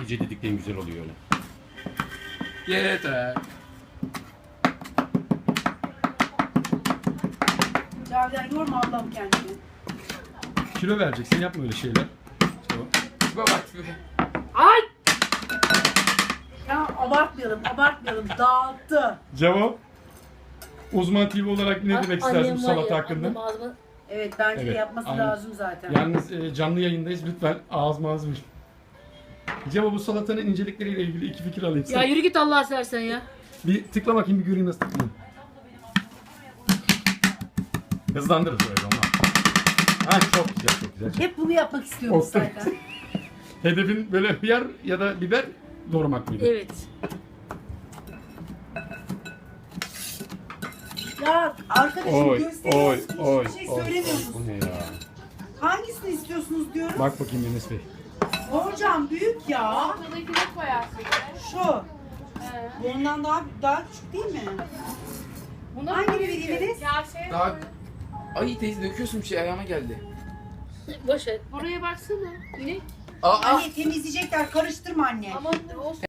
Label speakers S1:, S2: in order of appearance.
S1: İyice didikleyin, güzel oluyor öyle.
S2: Yeter.
S3: Cavidan yorma Allah'ım kendini.
S1: Kilo vereceksin, yapma öyle şeyler. Tamam.
S2: Bak be.
S3: Ay! Ya abartmayalım. Dağıttı.
S1: Cevap. Uzman TV olarak ne demek istersin bu salata hakkında?
S3: Evet bence de
S1: Evet,
S3: yapması
S1: aynen.
S3: lazım zaten.
S1: Yalnız canlı yayındayız, lütfen ağzıma ağzım. Cevap, bu salatanın incelikleriyle ilgili 2 fikir alayım.
S4: Ya yürü git Allah'a sersen ya.
S1: Bir tıkla bakayım, bir göreyim nasıl tıklayayım. Hızlandırırız öyle ama. Ha, çok güzel, çok güzel.
S3: Hep bunu yapmak istiyoruz
S1: Olsun.
S3: zaten.
S1: Hedefin böyle hıyar ya da biber doğramak mıydı?
S4: Evet.
S3: Ya arkadaşım
S1: Oy,
S3: gösteriyorsun,
S1: oy,
S3: hiçbir şey
S1: oy,
S3: söylemiyorsunuz.
S1: Bu ne ya?
S3: Hangisini istiyorsunuz diyorum.
S1: Bak bakayım Enes Bey.
S3: Hocam büyük ya.
S5: Ortadakine koyarsın.
S3: Şu. Bundan daha küçük değil mi?
S5: Buna
S3: Hangi
S5: koy
S3: biri
S5: ki.
S3: veririz?
S5: Ya şey
S2: Daha...
S5: koy.
S2: Ay teyze döküyorsun bir şey, ayağıma geldi.
S4: Boş ver.
S5: Buraya baksana. İnek.
S2: Aa,
S3: Anne temizleyecekler, karıştırma anne.
S5: Ama o